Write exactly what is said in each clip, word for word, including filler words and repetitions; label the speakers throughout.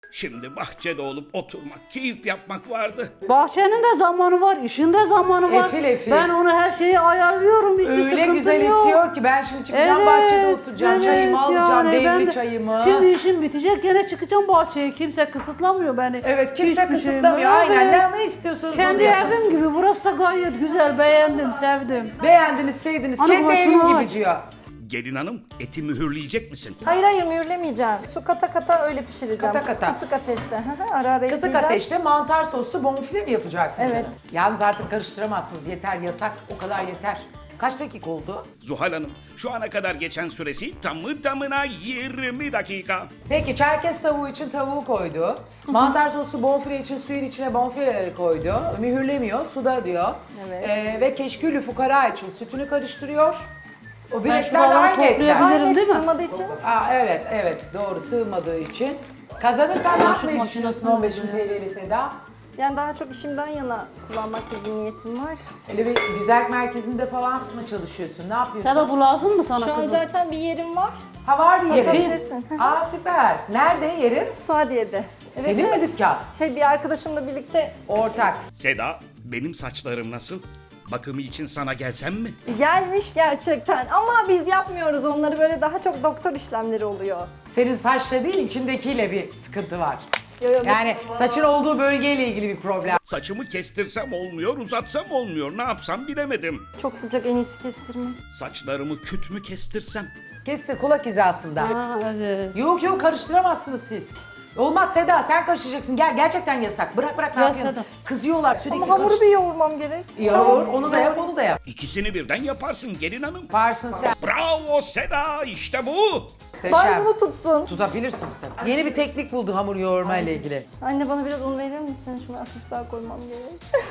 Speaker 1: Şimdi bahçede olup oturmak, keyif yapmak vardı.
Speaker 2: Bahçenin de zamanı var, işin de zamanı var.
Speaker 3: Efil efil.
Speaker 2: Ben onu her şeyi ayarlıyorum, hiçbir
Speaker 3: Öyle
Speaker 2: sıkıntım
Speaker 3: güzel
Speaker 2: yok.
Speaker 3: esiyor ki ben şimdi çıkacağım bahçede oturacağım, çayımı alacağım,
Speaker 2: yani ben
Speaker 3: demli
Speaker 2: de-
Speaker 3: çayımı.
Speaker 2: Şimdi işim bitecek, gene çıkacağım bahçeye. Kimse kısıtlamıyor beni.
Speaker 3: Evet, kimse
Speaker 2: Hiçbir şeyim
Speaker 3: kısıtlamıyor.
Speaker 2: yok.
Speaker 3: Aynen,
Speaker 2: Evet.
Speaker 3: ne, ne istiyorsanız
Speaker 2: Kendi
Speaker 3: onu yapın.
Speaker 2: evim gibi, burası da gayet güzel, beğendim, sevdim.
Speaker 3: Beğendiniz, sevdiniz.
Speaker 2: Ana
Speaker 3: Kendi
Speaker 2: başını
Speaker 3: evim gibi
Speaker 2: aç.
Speaker 3: diyor.
Speaker 1: Gelin hanım, eti mühürleyecek misin?
Speaker 4: Hayır hayır mühürlemeyeceğim. Su kata kata öyle pişireceğim.
Speaker 3: Kata kata.
Speaker 4: Kısık ateşte. Hı hı, ara ara
Speaker 3: Kısık
Speaker 4: ekleyeceğim.
Speaker 3: ateşte mantar soslu bonfile mi yapacaksınız?
Speaker 4: Evet.
Speaker 3: Yalnız artık karıştıramazsınız. Yeter, yasak. O kadar yeter. Kaç dakika oldu?
Speaker 1: Zuhal Hanım, şu ana kadar geçen süresi tamı tamına yirmi dakika.
Speaker 3: Peki çerkez tavuğu için tavuğu koydu. Mantar soslu bonfile için suyun içine bonfileleri koydu. Mühürlemiyor, suda diyor.
Speaker 4: Evet.
Speaker 3: Ee, ve keşkülü fukara için sütünü karıştırıyor. O
Speaker 2: Ben
Speaker 3: bilekler
Speaker 2: şuraları
Speaker 3: aynı etler.
Speaker 2: toplayabilirim.
Speaker 4: Aynı et
Speaker 2: değil mi?
Speaker 4: sığmadığı için
Speaker 3: Aa, evet, evet. Doğru, sığmadığı için. Kazanırsan ne yapmayı
Speaker 2: makinesini
Speaker 3: düşünüyorsun on beş bin T L'li Seda?
Speaker 4: yani daha çok işimden yana kullanmak gibi bir niyetim var.
Speaker 3: Öyle bir güzellik merkezinde falan mı çalışıyorsun? Ne yapıyorsun?
Speaker 2: Seda bu lazım mı sana
Speaker 4: Şu an
Speaker 2: kızım?
Speaker 4: zaten bir yerim var.
Speaker 3: Ha, var bir yerin.
Speaker 4: Atabilirsin.
Speaker 3: Aa, süper. Nerede yerin?
Speaker 4: Suadiye'de. Evet,
Speaker 3: Senin
Speaker 4: evet.
Speaker 3: mi dükkan?
Speaker 4: Şey bir arkadaşımla birlikte
Speaker 3: Ortak.
Speaker 1: Seda, benim saçlarım nasıl? Bakımı için sana gelsem mi?
Speaker 4: gelmiş gerçekten. Ama biz yapmıyoruz onları, böyle daha çok doktor işlemleri oluyor.
Speaker 3: Senin saçla değil, içindekiyle bir sıkıntı var.
Speaker 4: Yo, yo,
Speaker 3: Yani saçın olduğu bölgeyle ilgili bir problem.
Speaker 1: Saçımı kestirsem olmuyor, uzatsam olmuyor. Ne yapsam bilemedim.
Speaker 4: çok sıcak, en iyisi kestirme.
Speaker 1: Saçlarımı küt mü kestirsem?
Speaker 3: Kestir kulak hizasında.
Speaker 2: Ha, evet.
Speaker 3: Yok yok, karıştıramazsınız siz. Olmaz Seda, sen karıştıracaksın. Gel, gerçekten yasak. Bırak bırak, ne
Speaker 2: Ya
Speaker 3: yapıyorsun?
Speaker 2: Seda.
Speaker 3: Kızıyorlar sürekli.
Speaker 4: Ama hamuru
Speaker 3: karış-
Speaker 4: bir yoğurmam gerek.
Speaker 3: Yoğur, onu da yap, onu da yap.
Speaker 1: İkisini birden yaparsın gelin hanım.
Speaker 3: Varsın sen.
Speaker 1: Bravo Seda, işte bu.
Speaker 4: Bari
Speaker 3: Muhteşem.
Speaker 4: bunu tutsun.
Speaker 3: Tutabilirsiniz tabii. Yeni bir teknik buldu hamur yoğurma ile ilgili.
Speaker 4: Anne bana biraz un verir misin? Şunu hafif daha koymam gerek.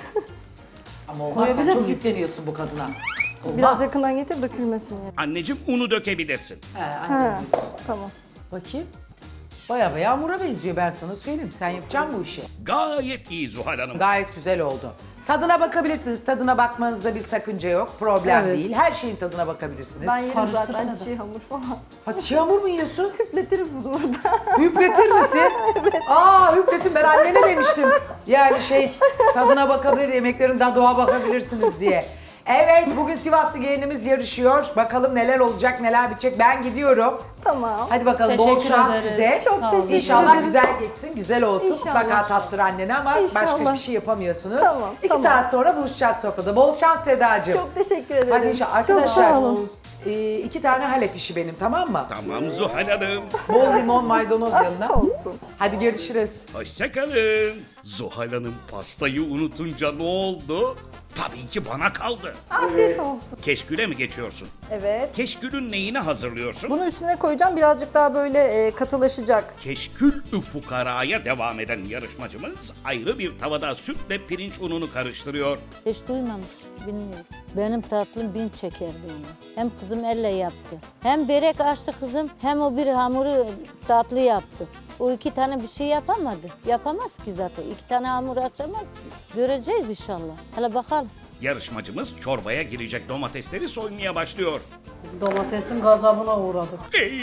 Speaker 3: Ama olmaz, sen
Speaker 2: Koyabilir
Speaker 3: çok
Speaker 2: miyim?
Speaker 3: yükleniyorsun bu kadına. Olmaz.
Speaker 4: Biraz yakından getir, dökülmesin yani.
Speaker 1: Anneciğim unu dökebilirsin.
Speaker 3: He, aynen.
Speaker 4: Ha, tamam.
Speaker 3: Bakayım. Baya baya hamura benziyor, ben sana söyleyeyim. Sen yapacaksın bu işi.
Speaker 1: Gayet iyi Zuhal Hanım.
Speaker 3: Gayet güzel oldu. Tadına bakabilirsiniz. Tadına bakmanızda bir sakınca yok. Problem
Speaker 2: Evet.
Speaker 3: değil. Her şeyin tadına bakabilirsiniz.
Speaker 4: Ben yerim zaten
Speaker 2: Karıştırsana.
Speaker 4: çiğ hamur falan.
Speaker 3: Ha, çiğ hamur mu yiyorsun?
Speaker 4: Küpletirim bunu burada.
Speaker 3: Hüpletir misin? Aa, hüpletin, ben annene demiştim. Yani şey, tadına bakabilir, yemeklerin tadına bakabilirsiniz diye. Evet, bugün Sivaslı gelinimiz yarışıyor. Bakalım neler olacak, neler bitecek. Ben gidiyorum.
Speaker 4: Tamam.
Speaker 3: Hadi bakalım, bol
Speaker 2: Teşekkür
Speaker 3: şans
Speaker 2: ederiz.
Speaker 3: size.
Speaker 2: Çok Sağ olun.
Speaker 4: teşekkür
Speaker 3: İnşallah
Speaker 4: ederiz.
Speaker 3: güzel geçsin, güzel olsun.
Speaker 4: İnşallah.
Speaker 3: Mutlaka tattır annene ama başka
Speaker 4: İnşallah.
Speaker 3: bir şey yapamıyorsunuz.
Speaker 4: Tamam,
Speaker 3: İki
Speaker 4: tamam.
Speaker 3: saat sonra buluşacağız sofrada. Bol şans Sedacığım.
Speaker 4: Çok teşekkür ederim.
Speaker 3: Hadi inşallah.
Speaker 4: Çok
Speaker 3: Arkadaşlar,
Speaker 4: sağ olun.
Speaker 3: e, iki tane Halep işi benim, tamam mı?
Speaker 1: Tamam Zuhal Hanım.
Speaker 3: Bol limon, maydanoz
Speaker 4: Aşk
Speaker 3: yanına.
Speaker 4: olsun.
Speaker 3: Hadi görüşürüz.
Speaker 1: Hoşçakalın. Zuhal Hanım pastayı unutunca ne oldu? Tabii ki bana kaldı.
Speaker 4: Afiyet olsun.
Speaker 1: Keşküle mi geçiyorsun?
Speaker 4: Evet.
Speaker 1: Keşkülün neyini hazırlıyorsun?
Speaker 4: Bunu üstüne koyacağım, birazcık daha böyle e, katılaşacak.
Speaker 1: Keşkül-ü fukaraya devam eden yarışmacımız ayrı bir tavada sütle pirinç ununu karıştırıyor.
Speaker 5: Hiç duymamış, bilmiyorum. Benim tatlım bin çekerdi onu. Hem kızım elle yaptı. Hem börek açtı kızım, hem o bir hamuru tatlı yaptı. O iki tane bir şey yapamadı. Yapamaz ki zaten. İki tane hamur açamaz ki. Göreceğiz inşallah. Hele bakalım.
Speaker 1: Yarışmacımız çorbaya girecek domatesleri soymaya başlıyor.
Speaker 2: Domatesin gazabına uğradık.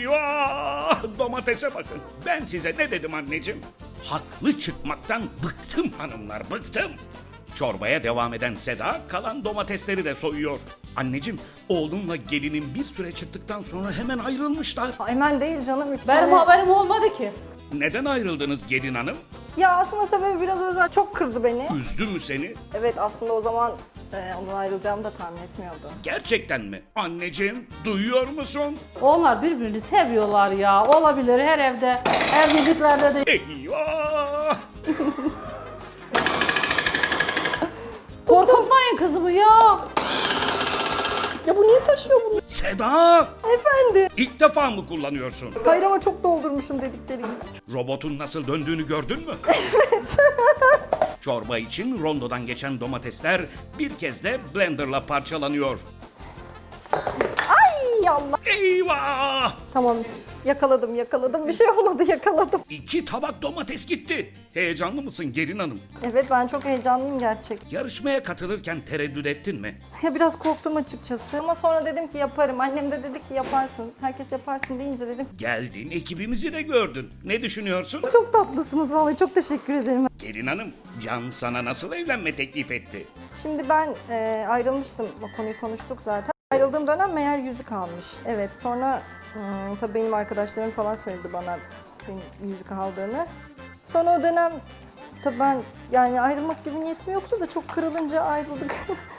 Speaker 1: Eyvah! Domatese bakın. Ben size ne dedim anneciğim? Haklı çıkmaktan bıktım hanımlar, bıktım. Çorbaya devam eden Seda kalan domatesleri de soyuyor. Anneciğim, oğlunla gelinin bir süre çıktıktan sonra hemen ayrılmışlar.
Speaker 4: Hemen değil canım. Üç
Speaker 2: Benim
Speaker 4: sene-
Speaker 2: haberim olmadı ki.
Speaker 1: Neden ayrıldınız gelin hanım?
Speaker 4: Ya aslında sebebi biraz özel. Çok kırdı beni.
Speaker 1: Üzdü mü seni?
Speaker 4: Evet, aslında o zaman e, ondan ayrılacağımı da tahmin etmiyordu.
Speaker 1: Gerçekten mi? Anneciğim, duyuyor musun?
Speaker 2: Onlar birbirini seviyorlar ya. Olabilir her evde, evliliklerde de.
Speaker 1: Eyvah!
Speaker 2: Korkutmayın kızımı ya.
Speaker 4: Ya bu niye taşıyor bunu?
Speaker 1: Seda!
Speaker 4: Efendim.
Speaker 1: İlk defa mı kullanıyorsun?
Speaker 4: Hayır ama çok doldurmuşum dedikleri gibi.
Speaker 1: Robotun nasıl döndüğünü gördün mü? Evet. Çorba için rondodan geçen domatesler bir kez de blenderla parçalanıyor.
Speaker 4: Ay Hay Allah.
Speaker 1: Eyvah!
Speaker 4: Tamam yakaladım yakaladım bir şey olmadı yakaladım.
Speaker 1: İki tabak domates gitti. Heyecanlı mısın gelin hanım?
Speaker 4: Evet ben çok heyecanlıyım gerçek.
Speaker 1: Yarışmaya katılırken tereddüt ettin mi?
Speaker 4: Ya biraz korktum açıkçası ama sonra dedim ki yaparım. Annem de dedi ki yaparsın. Herkes yaparsın deyince dedim.
Speaker 1: Geldin, ekibimizi de gördün. Ne düşünüyorsun?
Speaker 4: Çok tatlısınız vallahi çok teşekkür ederim.
Speaker 1: Gelin hanım, Can sana nasıl evlenme teklif etti?
Speaker 4: Şimdi ben e, ayrılmıştım. O konuyu konuştuk zaten. Ayrıldığım dönem meğer yüzük almış. Evet sonra hmm, tabii benim arkadaşlarım falan söyledi bana benim yüzük aldığını. Sonra o dönem tabii ben yani ayrılmak gibi niyetim yoktu da çok kırılınca ayrıldık.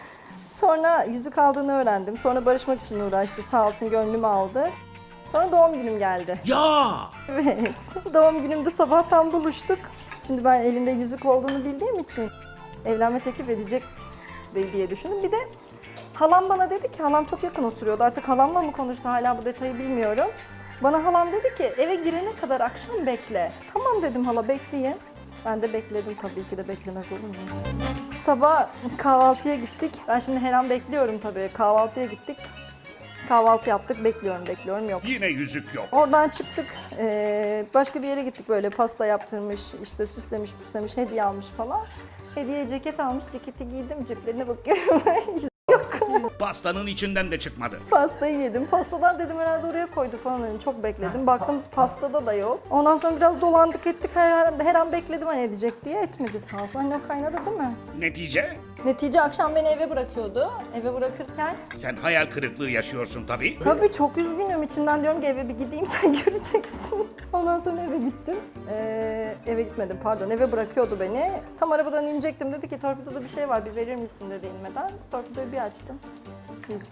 Speaker 4: Sonra yüzük aldığını öğrendim. Sonra barışmak için uğraştı. Sağ olsun gönlümü aldı. Sonra doğum günüm geldi.
Speaker 1: Ya!
Speaker 4: Evet. Doğum günümde sabahtan buluştuk. Şimdi ben elinde yüzük olduğunu bildiğim için evlenme teklif edecek de- diye düşündüm. Bir de halam bana dedi ki, halam çok yakın oturuyordu. Artık halamla mı konuştu hala bu detayı bilmiyorum. Bana halam dedi ki eve girene kadar akşam bekle. Tamam dedim hala bekleyeyim. Ben de bekledim tabii ki de beklemez olur mu? Sabah kahvaltıya gittik. Ben şimdi her an bekliyorum tabii. Kahvaltıya gittik. Kahvaltı yaptık. Bekliyorum bekliyorum yok.
Speaker 1: Yine yüzük yok.
Speaker 4: Oradan çıktık, eee, başka bir yere gittik böyle pasta yaptırmış, işte süslemiş, püslemiş, hediye almış falan. Hediye ceket almış, ceketi giydim, ceplerine bakıyorum. Yok.
Speaker 1: Pastanın içinden de çıkmadı.
Speaker 4: Pastayı yedim. Pastadan dedim herhalde oraya koydu falan. Hani çok bekledim. Baktım pastada da yok. Ondan sonra biraz dolandık ettik. Her, her, her an bekledim hani edecek diye. Etmedi sağ olsun. Anne o kaynadı değil mi?
Speaker 1: Netice?
Speaker 4: Netice akşam beni eve bırakıyordu. Eve bırakırken
Speaker 1: Sen hayal kırıklığı yaşıyorsun tabii.
Speaker 4: tabii çok üzgünüm. İçimden diyorum ki eve bir gideyim sen göreceksin. Ondan sonra eve gittim. Ee, eve gitmedim pardon. Eve bırakıyordu beni. Tam arabadan inecektim. Dedi ki torpidoda bir şey var bir verir misin dedi inmeden. Torpidoyu bir açtım. Yüzük.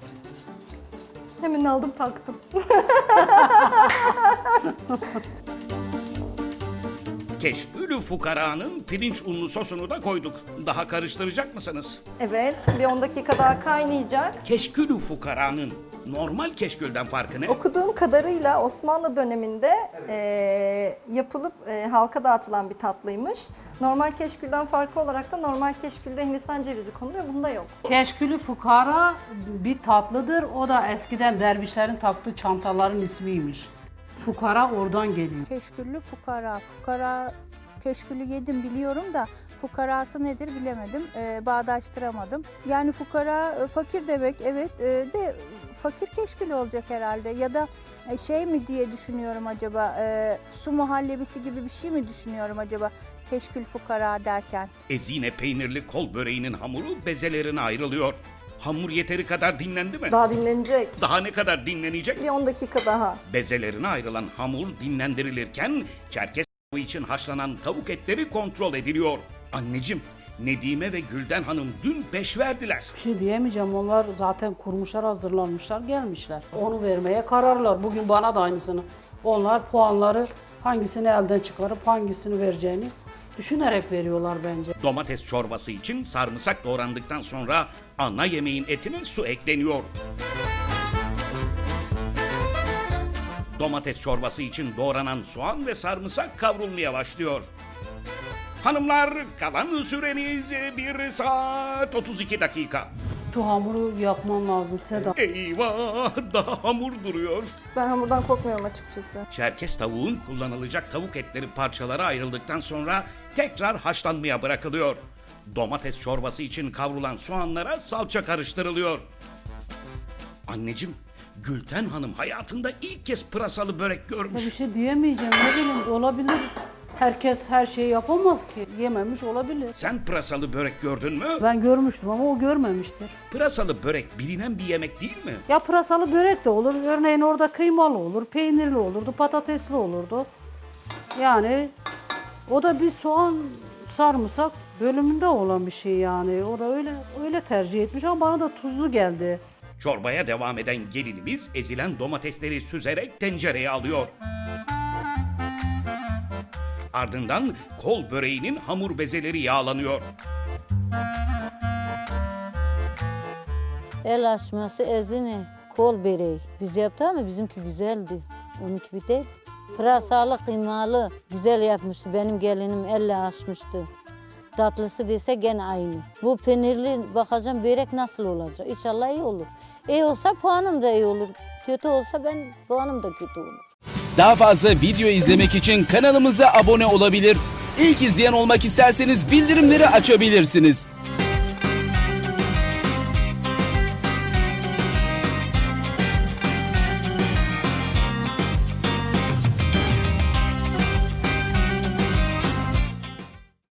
Speaker 4: Hemen aldım taktım.
Speaker 1: Keşkülü fukaranın pirinç unlu sosunu da koyduk. Daha karıştıracak mısınız?
Speaker 4: Evet bir on dakika daha kaynayacak.
Speaker 1: Keşkülü fukaranın normal keşkülden farkı ne?
Speaker 4: Okuduğum kadarıyla Osmanlı döneminde eee, yapılıp eee, halka dağıtılan bir tatlıymış. Normal keşkülden farkı olarak da normal keşkülde Hindistan cevizi konuluyor. Bunda yok.
Speaker 2: Keşkülü fukara bir tatlıdır. O da eskiden dervişlerin taktığı çantaların ismiymiş. Fukara oradan geliyor.
Speaker 6: Keşküllü fukara. Fukara köşkülü yedim biliyorum da fukarası nedir bilemedim. Ee, bağdaştıramadım. Yani fukara e, fakir demek evet e, de fakir keşkülü olacak herhalde ya da e, şey mi diye düşünüyorum acaba e, su muhallebisi gibi bir şey mi düşünüyorum acaba keşkül fukara derken.
Speaker 1: Ezine peynirli kol böreğinin hamuru bezelerine ayrılıyor. Hamur yeteri kadar dinlendi mi?
Speaker 4: Daha dinlenecek.
Speaker 1: Daha ne kadar dinlenecek?
Speaker 4: Bir on dakika daha.
Speaker 1: Bezelerine ayrılan hamur dinlendirilirken Çerkez tavuğu için haşlanan tavuk etleri kontrol ediliyor. Anneciğim, Nedime ve Gülden Hanım dün beş verdiler.
Speaker 2: Bir şey diyemeyeceğim. Onlar zaten kurmuşlar, hazırlanmışlar, gelmişler. Onu vermeye kararlar. Bugün bana da aynısını. Onlar puanları hangisini elden çıkarıp hangisini vereceğini düşünerek veriyorlar bence.
Speaker 1: Domates çorbası için sarımsak doğrandıktan sonra ana yemeğin etine su ekleniyor. Domates çorbası için doğranan soğan ve sarımsak kavrulmaya başlıyor. Hanımlar, kalan süreniz bir saat otuz iki dakika.
Speaker 2: Şu hamuru yapman lazım Seda.
Speaker 1: Eyvah, daha hamur duruyor.
Speaker 4: Ben hamurdan korkmuyorum açıkçası.
Speaker 1: Çerkez tavuğun kullanılacak tavuk etleri parçalara ayrıldıktan sonra tekrar haşlanmaya bırakılıyor. Domates çorbası için kavrulan soğanlara salça karıştırılıyor. Anneciğim, Gülten Hanım hayatında ilk kez pırasalı börek
Speaker 2: Ya
Speaker 1: görmüş.
Speaker 2: bir şey diyemeyeceğim. Ne bileyim olabilir. Herkes her şeyi yapamaz ki. Yememiş olabilir.
Speaker 1: Sen pırasalı börek gördün mü?
Speaker 2: Ben görmüştüm ama o görmemiştir.
Speaker 1: Pırasalı börek bilinen bir yemek değil mi?
Speaker 2: Ya pırasalı börek de olur. Örneğin orada kıymalı olur, peynirli olurdu, patatesli olurdu. Yani o da bir soğan, sarımsak bölümünde olan bir şey yani. O da öyle öyle tercih etmiş ama bana da tuzlu geldi.
Speaker 1: Çorbaya devam eden gelinimiz ezilen domatesleri süzerek tencereye alıyor. Ardından kol böreğinin hamur bezeleri yağlanıyor.
Speaker 5: El açması ezine, kol böreği. Biz yaptık ama bizimki güzeldi. Onunki bir değil. Pırasalı, kıymalı. Güzel yapmıştı. Benim gelinim elle açmıştı. Tatlısı dese gene aynı. Bu peynirli bakacağım börek nasıl olacak? İnşallah iyi olur. İyi olsa puanım da iyi olur. kötü olsa ben puanım da kötü olur.
Speaker 7: Daha fazla video izlemek için kanalımıza abone olabilir. İlk izleyen olmak isterseniz bildirimleri açabilirsiniz.